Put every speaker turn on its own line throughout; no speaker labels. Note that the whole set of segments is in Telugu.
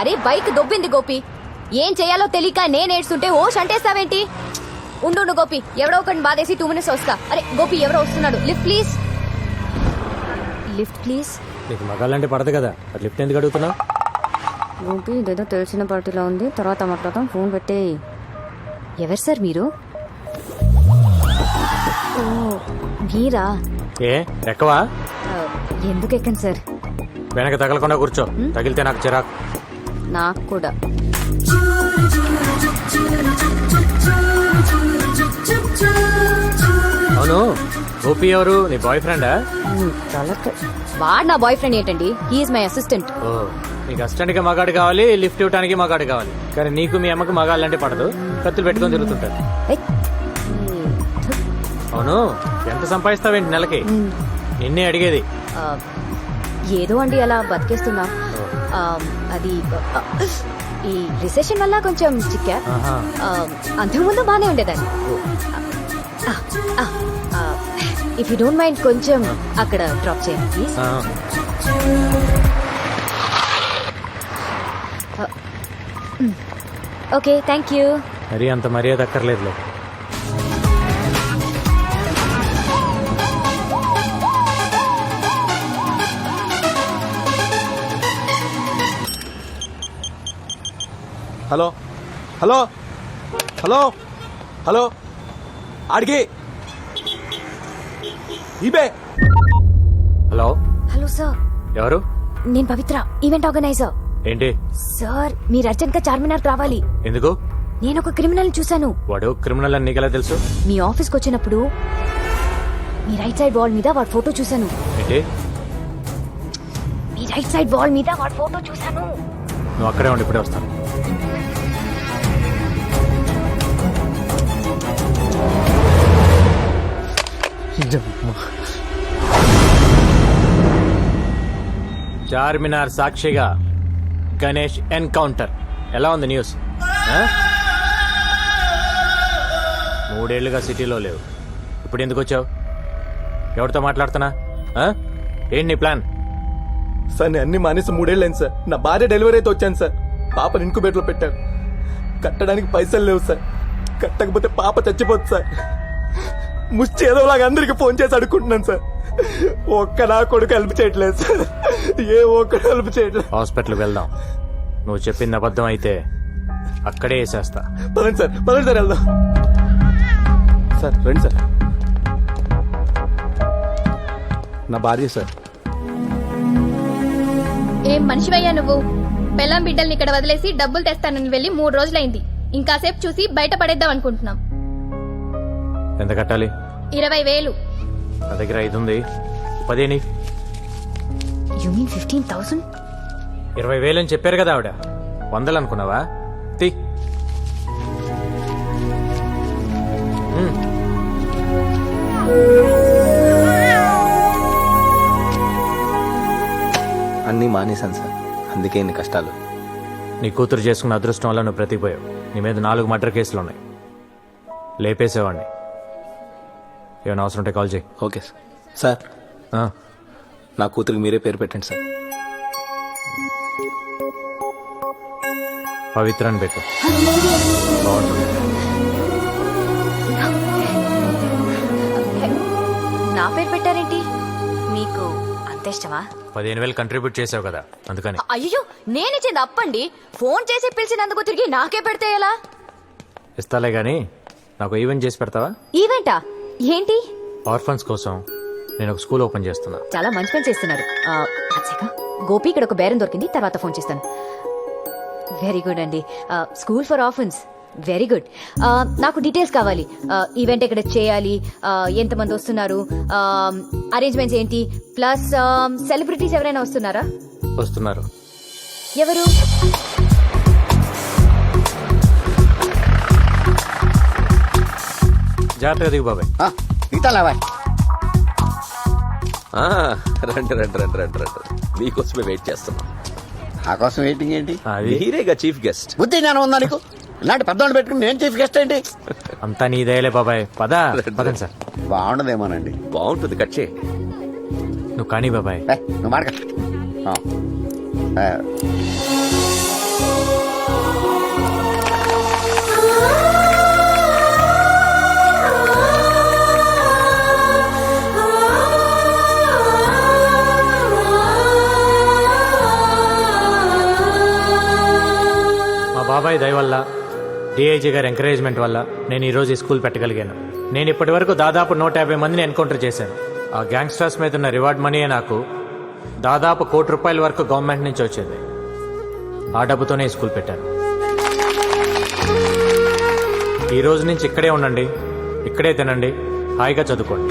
అరే బైక్ దొబ్బింది గోపి. ఏం చేయాలో తెలియక నేనేడ్చుంటే ఓ షంటేస్తావేంటి? ఉండు గోపి, ఎవడో ఒకటి బాధేసి 2 minutes వస్తా. అరే గోపి ఎవరో వస్తున్నాడు. Lift please. Lift please.
నీకు మగాళ్ళంటే పడదు కదా, లిఫ్ట్ ఎందుకు అడుగుతున్నావు?
గోపి ఇదేదో తెలిసిన పార్టీలో ఉంది, తర్వాత మాట్లాడతాం. ఫోన్ పెట్టే. ఎవరు సార్ మీరు? ఓ మీరా?
ఏ ఎక్కవా?
ఎందుకు ఎక్కండి సార్?
వెనక తగలకుండా కూర్చో, తగిలితే నాకు చిరాకు.
నాకు కూడా.
అవును, గోపి ఎవరు? నీ బాయ్ ఫ్రెండా?
వాడు నా బాయ్ ఫ్రెండ్ ఏంటండి? He is my assistant.
ఓ, నీకు అసిస్టెంట్ గా మగాడు కావాలి, లిఫ్ట్ ఇవ్వడానికి మగాడు కావాలి. కానీ నీకు మీ అమ్మకి మగాళ్ళంటే పడదు, కత్తులు పెట్టుకొని తిరుగుతుంటారు. అవును, ఎంత సంపాదిస్తావేంటి నెలకి? నిన్నే అడిగేది.
ఏదో అండి అలా బతికేస్తున్నా. అది ఈ రిసెషన్ వల్ల కొంచెం చిక్కా. అంతకుముందు బానే ఉండేదాన్ని. ఇఫ్ యూ డోంట్ మైండ్ కొంచెం అక్కడ డ్రాప్ చేయండి ప్లీజ్. Okay thank you.
మరి అంత మర్యాద అక్కర్లేదులే.
హలో హలో హలో హలో ఆడికి ఇబే.
Hello
hello sir.
ఎవరు?
నేను పవిత్ర, ఈవెంట్ ఆర్గనైజర్.
ఏంటి
సార్ మీరు అర్జెంట్ గా చార్మినార్ రావాలి.
ఎందుకు?
నేను ఒక క్రిమినల్ చూశాను.
వాడు క్రిమినల్ అని నీకెలా తెలుసు?
మీ ఆఫీస్కి వచ్చినప్పుడు మీ రైట్ సైడ్ వాల్ మీద వాడి ఫోటో చూశాను.
ఏంటి?
మీ రైట్ సైడ్ వాల్ మీద వాడి ఫోటో చూశాను.
నువ్వు అక్కడే ఉండి ఇప్పుడే వస్తాను. చార్మినార్ సాక్షిగా గణేష్ ఎన్కౌంటర్. ఎలా ఉంది న్యూస్? 3 ఏళ్లుగా సిటీలో లేవు, ఇప్పుడు ఎందుకు వచ్చావు? ఎవరితో మాట్లాడుతున్నా? ఏంటి నీ ప్లాన్?
సార్ నేను అన్ని మానేసి 3 ఏళ్ళు అయింది సార్. నా భార్య డెలివరీ అయితే వచ్చాను సార్. పాపను ఇంకుబేట్లో పెట్టారు. కట్టడానికి పైసలు లేవు సార్. కట్టకపోతే పాప చచ్చిపోతుంది సార్. ముష్టి ఏదోలాగా అందరికి ఫోన్ చేసి అడుక్కుంటున్నాను సార్. ఒక్క నా కొడుకు హెల్ప్ చేయట్లేదు సార్. ఏ ఒక్కడు హెల్ప్ చేయట్లేదు.
హాస్పిటల్కి వెళ్దాం. నువ్వు చెప్పింది అబద్ధం అయితే అక్కడే వేసేస్తా.
పదండి సార్, పదండి సార్, వెళ్దాం సార్. రండి సార్. నా భార్య సార్.
ఏం మనిషివయ్యా నువ్వు? పెళ్ళాం బిడ్డల్ని ఇక్కడ వదిలేసి డబ్బులు తెస్తానని వెళ్ళి 3 రోజులైంది. ఇంకాసేపు చూసి బయట పడేద్దాం అనుకుంటున్నాం.
ఎంత కట్టాలి?
20,000.
నా దగ్గర 5 ఉంది. 10
యు మీన్ 15,000?
20,000 అని చెప్పారు కదా ఆవిడ. 100 అనుకున్నావా? తీ.
అన్నీ మానేశాను సార్, అందుకే ఇన్ని కష్టాలు.
నీ కూతురు చేసుకున్న అదృష్టం వల్ల నువ్వు బ్రతికిపోయావు. నీ మీద 4 మర్డర్ కేసులు ఉన్నాయి. లేపేసేవాడిని. ఏమైనా అవసరం ఉంటే కాల్ చేయి.
Okay sir. సార్ నా కూతురికి మీరే పేరు పెట్టండి సార్.
పవిత్ర అని పెట్టు. బాగుంటుంది.
నా పేరు పెట్టారేంటి? మీకు అంత ఇష్టమా?
15,000 కంట్రిబ్యూట్ చేసావు కదా, అందుకని.
అయ్యో నేనిచ్చింది అప్పండి. ఫోన్ చేసి పిలిచినందుకు తిరిగి నాకే పెడితే ఎలా?
ఇస్తాలే గానీ నాకు ఈవెంట్ చేసి పెడతావా?
ఈవెంటా? ఏంటి?
ఆర్ఫన్స్ కోసం నేను ఒక స్కూల్ ఓపెన్ చేస్తున్నా.
చాలా మంచి పని చేస్తున్నారు. గోపి ఇక్కడ ఒక బేరం దొరికింది, తర్వాత ఫోన్ చేస్తాను. వెరీ గుడ్ అండి. School for orphans, very good. నాకు డీటెయిల్స్ కావాలి. ఈవెంట్ ఎక్కడ చేయాలి, ఎంతమంది వస్తున్నారు, అరేంజ్మెంట్స్ ఏంటి, ప్లస్ సెలబ్రిటీస్ ఎవరైనా వస్తున్నారా?
వస్తున్నారు.
ఎవరు?
జాగ్రత్తగా దిగు బాబాయ్.
రండి రండి రండి రండి రండి. మీకోసమే వెయిట్ చేస్తున్నాం.
నా కోసం వెయిటింగ్ ఏంటి?
మీరేగా చీఫ్ గెస్ట్.
బుద్ధి జ్ఞానం ఉందా నీకు? ఇలాంటి పెద్దవాళ్ళు పెట్టుకుని నేను చీఫ్ గెస్ట్ ఏంటి?
అంతా నీదేలే బాబాయ్. పదండి సార్.
బాగుండదేమోనండి.
బాగుంటుంది, కట్ చేయి.
నువ్వు కానీ బాబాయ్.
నువ్వు మాట
బాబాయ్ దయ వల్ల డిఐజీ గారి ఎంకరేజ్మెంట్ వల్ల నేను ఈరోజు ఈ స్కూల్ పెట్టగలిగాను. నేను ఇప్పటి వరకు దాదాపు 150 మందిని ఎన్కౌంటర్ చేశాను. ఆ గ్యాంగ్స్టర్స్ మీద ఉన్న రివార్డ్ మనీయే నాకు దాదాపు ₹1 కోటి వరకు గవర్నమెంట్ నుంచి వచ్చేది. ఆ డబ్బుతోనే ఈ స్కూల్ పెట్టాను. ఈ రోజు నుంచి ఇక్కడే ఉండండి, ఇక్కడే తినండి, హాయిగా చదువుకోండి.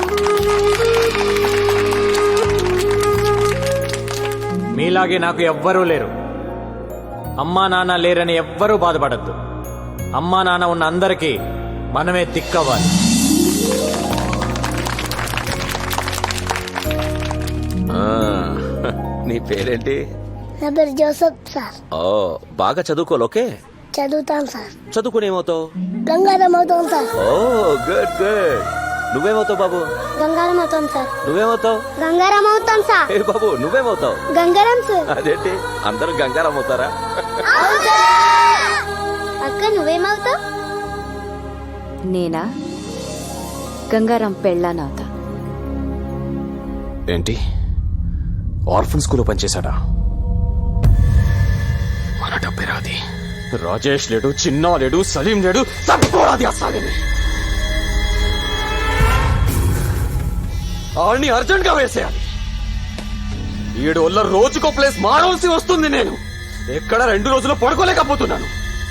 మీలాగే నాకు ఎవ్వరూ లేరు. అమ్మా నాన్న లేరని ఎవ్వరూ బాధపడద్దు. అమ్మా నాన్న ఉన్న అందరికీ మనమే దిక్కవ్వాలి.
ఆ, నీ పేరేంటి?
నా పేరు జోసఫ్ సార్.
ఓ, బాగా చదువుకోవాలి. ఓకే,
చదువుతాను సార్.
చదువుకుని ఏమవుతావు?
గంగారం అవుతాం సార్.
Oh good good. నువ్వేమవుతావు బాబు?
గంగారం అవుతాం సార్.
నువ్వేమవుతావు?
గంగారం అవుతాం సార్.
ఏ బాబు, నువ్వేమవుతావు?
గంగారం సార్.
అదేంటి అందరూ గంగారం అవుతారా?
అక్క నువ్వేమవుతావు?
నేనా గంగారాం పెళ్ళానవుతా.
ఏంటి ఆర్ఫన్ స్కూల్లో పనిచేశాడా? మన డబ్బే రాది. రాజేష్ లేడు, చిన్నా లేడు, సలీం లేడు, తట్టుకోరాది అసలు. ఆడిని అర్జెంట్ గా వేసేయాలి. 7 వల్ల రోజుకో ప్లేస్ మారవలసి వస్తుంది. నేను ఎక్కడ 2 రోజులు పడుకోలేకపోతున్నాను.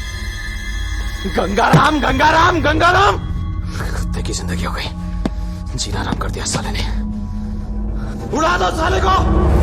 गंगाराम गंगाराम गंगाराम की जिंदगी हो गई. जीना आराम कर दिया साले ने. उड़ा दो साले को.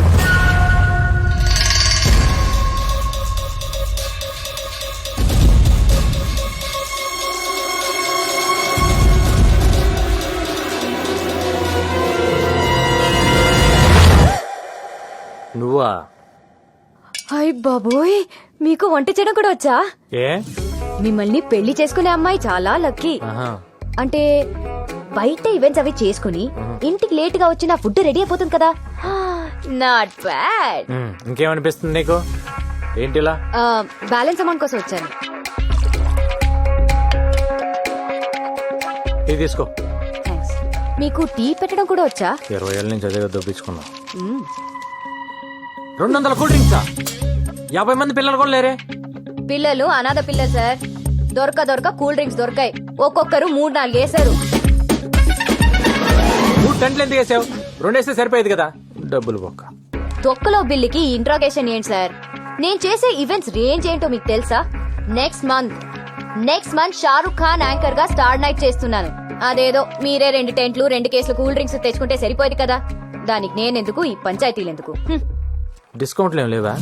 నువ్వా?
హాయ్ బాబోయ్, మీకు వంట చేయడం కూడా వచ్చా?
ఏ
మిమ్మల్ని పెళ్లి చేసుకునే అమ్మాయి చాలా లక్కీ.
ఆహా.
అంటే బయట ఈవెంట్స్ అవి చేసుకుని ఇంటికి లేట్ గా వచ్చి నా ఫుడ్ రెడీ అయిపోతుంది కదా. Not bad.
ఇంకేమనిపిస్తుంది నీకు? ఏంటిలా?
బ్యాలెన్స్ అమౌంట్ కోసం వచ్చాను.
ఇది తీసుకో.
థ్యాంక్స్. మీకు టీ పెట్టడం కూడా వచ్చా?
20 ఏళ్ళ నుంచి అదే దొప్పించుకున్నా. 200 కూల్ డ్రింక్సా? 50 మంది పిల్లలు కూడా లేరే.
పిల్లలు అనాథ పిల్లలు సార్. దొరక కూల్ డ్రింక్స్ దొరకాయి. ఒక్కొక్కరు 3-4 వేశారు.
3 టెంట్లు ఎందుకు వేసావు? 2 వేస్తే సరిపోయేది కదా. డబ్బులు బొక్క.
తొక్కలో బిల్లుకి ఇంట్రాగేషన్ ఏంటి సార్? నేను చేసే ఈవెంట్స్ రేంజ్ ఏంటో మీకు తెలుసా? Next month Shahrukh Khan anchor గా స్టార్ నైట్ చేస్తున్నాను. అదేదో మీరే 2 టెంట్లు 2 కేసులు కూల్ డ్రింక్స్ తెచ్చుకుంటే సరిపోయేది కదా. దానికి నేనెందుకు, ఈ పంచాయతీలు ఎందుకు?
డిస్కౌంట్లు ఏం లేవా?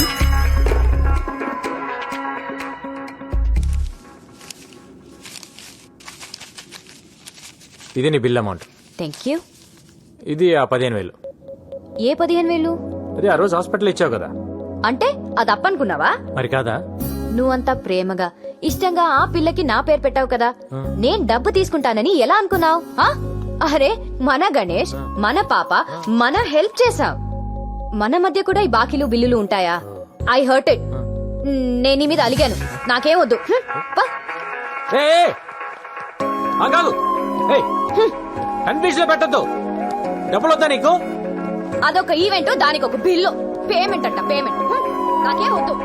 ఇది నీ బిల్ అమౌంట్.
Thank you.
ఇది ఆ 15,000.
ఏ 15,000?
అది ఆ రోజు హాస్పిటల్ ఇచ్చావు కదా.
అంటే అది అప్పనుకున్నావా?
మరి కాదా?
నువ్వంతా ప్రేమగా ఇష్టంగా ఆ పిల్లకి నా పేరు పెట్టావు కదా. నేను డబ్బు తీసుకుంటానని ఎలా అనుకున్నావు? అరే మన గణేష్, మన పాప, మన హెల్ప్ చేసావు. మన మధ్య కూడా ఈ బాకీలు బిల్లులు ఉంటాయా? I hurt it. నేను నీ మీద అలిగాను. నాకేం వద్దు.
కన్ఫ్యూజ్ లో పెట్టద్దు. డబ్బులు వద్దా నీకు?
అదొక ఈవెంట్, దానికి ఒక బిల్లు. పేమెంట్ అంట పేమెంట్. నాకేం వద్దు.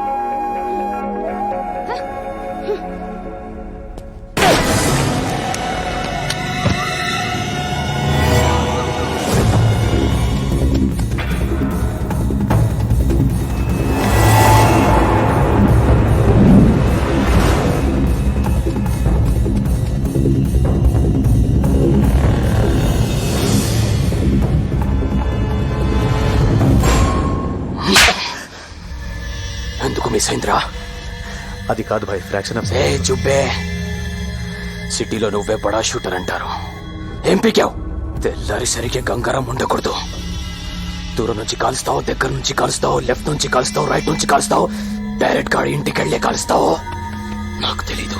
ఎందుకు మిస్ అయిందిరా?
అది కాదు భాయ్, ఫ్రాక్షన్ ఆఫ్
ఏ చుబ్బే. సిటీలో నువ్వే బడా షూటర్ అంటారు. ఏం పీకావు? తెల్లారి సరిగ్గా గంగారం ఉండకూడదు. దూరం నుంచి కాలుస్తావు, దగ్గర నుంచి కాలుస్తావు, లెఫ్ట్ నుంచి కాలుస్తావు, రైట్ నుంచి కాలుస్తావు, డైరెక్ట్ గా ఇంటికి వెళ్లే కాలుస్తావు. నాకు తెలీదు.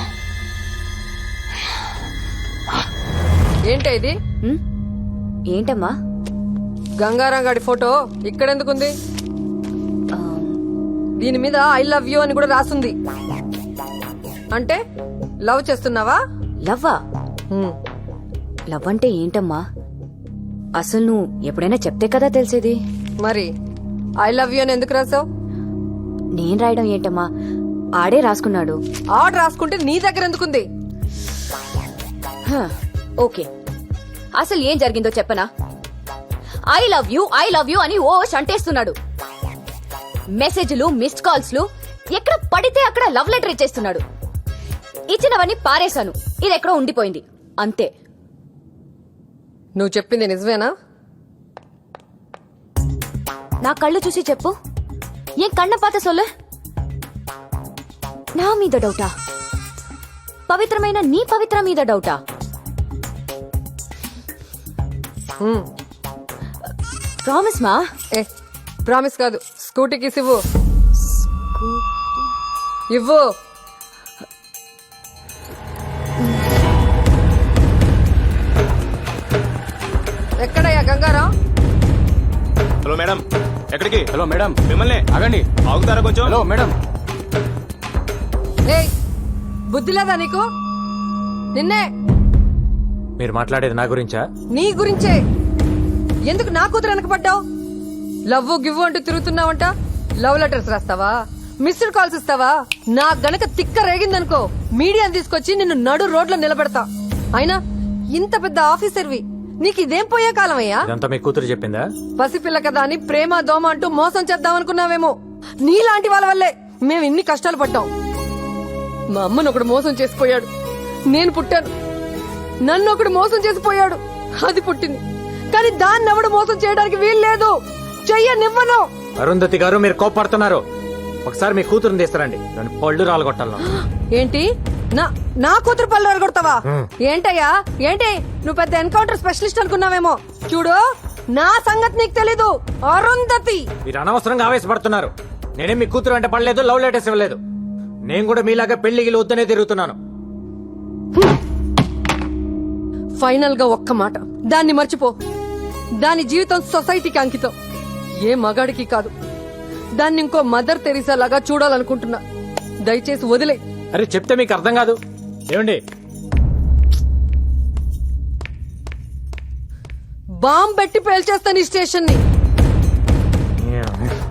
ఏంటి ఇది?
ఏంటమ్మా?
గంగారాం గాడి ఫోటో ఇక్కడెందుకుంది? దీని మీద ఐ లవ్ యూ అని కూడా రాసుంది. అంటే లవ్ చేస్తున్నావా?
లవ్వా? లవ్ అంటే ఏంటమ్మా? అసలు నువ్వు ఎప్పుడైనా చెప్తే కదా తెలిసేది.
మరి ఐ లవ్ యూ అని ఎందుకు రాసావు?
నేను రాయడం ఏంటమ్మా? ఆడే రాసుకున్నాడు.
ఆర్డర్ రాసుకుంటే నీ దగ్గర ఎందుకుంది?
హ, ఓకే, అసలు ఏం జరిగిందో చెప్పనా? ఐ లవ్ యూ అని ఓ అంటేస్తున్నాడు. మెసేజ్లు, మిస్డ్ కాల్స్లు ఎక్కడ పడితే అక్కడ లవ్ లెటర్ ఇచ్చేస్తున్నాడు. ఇచ్చినవన్నీ పారేశాను, ఇది ఎక్కడో ఉండిపోయింది అంతే.
నువ్వు చెప్పింది నిజమేనా?
నా కళ్ళు చూసి చెప్పు, ఏం కన్న పాత సొల్లు? నా మీద డౌటా? పవిత్రమైన నీ పవిత్ర మీద డౌటా? ప్రామిస్ మా.
ఏ ప్రామిస్ కాదు, స్కూటీకి ఇవ్వు. ఇవ్వు. ఎక్కడయ్యా గంగారాం?
హలో మేడం, ఎక్కడికి?
హలో మేడం,
మిమ్మల్ని
ఆగండి.
ఆగుతారా కొంచెం?
హలో మేడం,
ఏయ్, బుద్ధి లేదా నీకు? నిన్నే.
మీరు మాట్లాడేది నా గురించా?
నీ గురించే. ఎందుకు నా కూతురు వెనకపడ్డావు? లవ్ గివ్ అంటూ తిరుగుతున్నావంట. లవ్ లెటర్స్ రాస్తావా? మిస్డ్ కాల్స్ ఇస్తావా? నా గనక తిక్క రేగిందనుకో, మీడియాని తీసుకొచ్చి నిన్ను నడు రోడ్లో నిలబెడతా. అయినా ఇంత పెద్ద ఆఫీసర్వి, నీకు ఇదేం పోయే కాలమయ్యా?
ఇదంతా మీ కూతురు చెప్పిందా?
పసిపిల్ల కదా అని ప్రేమ దోమ అంటూ మోసం చేద్దామనుకున్నావేమో. నీలాంటి వాళ్ళ వల్లే మేము ఇన్ని కష్టాలు పడ్డాం. మా అమ్మను ఒకడు మోసం చేసిపోయాడు, నేను పుట్టాను. నన్ను ఒకడు మోసం చేసిపోయాడు, అది పుట్టింది. కానీ దాన్ని ఎవడు మోసం చేయడానికి వీల్లేదు. చెయ్యనివ్వను.
అరుంధతి గారు, మీరు కోప్పడుతున్నారు. ఒకసారి మీ కూతురుని తీస్తారండి, నన్ను పళ్ళు రాలగొట్టాలను.
ఏంటి? నా కూతురు పళ్ళు అరగొడతావా? ఏంటయ్యా ఏంటి? నువ్వు పెద్ద ఎన్కౌంటర్ స్పెషలిస్ట్ అనుకున్నావేమో. చూడు, నా సంగతి నీకు తెలీదు. అరుంధతి,
మీరు అనవసరంగా ఆవేశపడుతున్నారు. నేనేం మీ కూతురు అంటే పడలేదు, లవ్ లెటర్స్ ఇవ్వలేదు. నేను కూడా మీలాగా పెళ్లికి వద్దనే తిరుగుతున్నాను.
ఫైనల్ గా ఒక్క మాట, దాన్ని మర్చిపో. దాని జీవితం సొసైటీకి అంకితం, ఏ మగాడికి కాదు. దాన్ని ఇంకో మదర్ తెరీసా లాగా చూడాలనుకుంటున్నా. దయచేసి వదిలే.
అరే చెప్తే మీకు అర్థం కాదు. ఏమండి,
బాంబ్ పెట్టి పేల్చేస్తాను ఈ స్టేషన్ ని.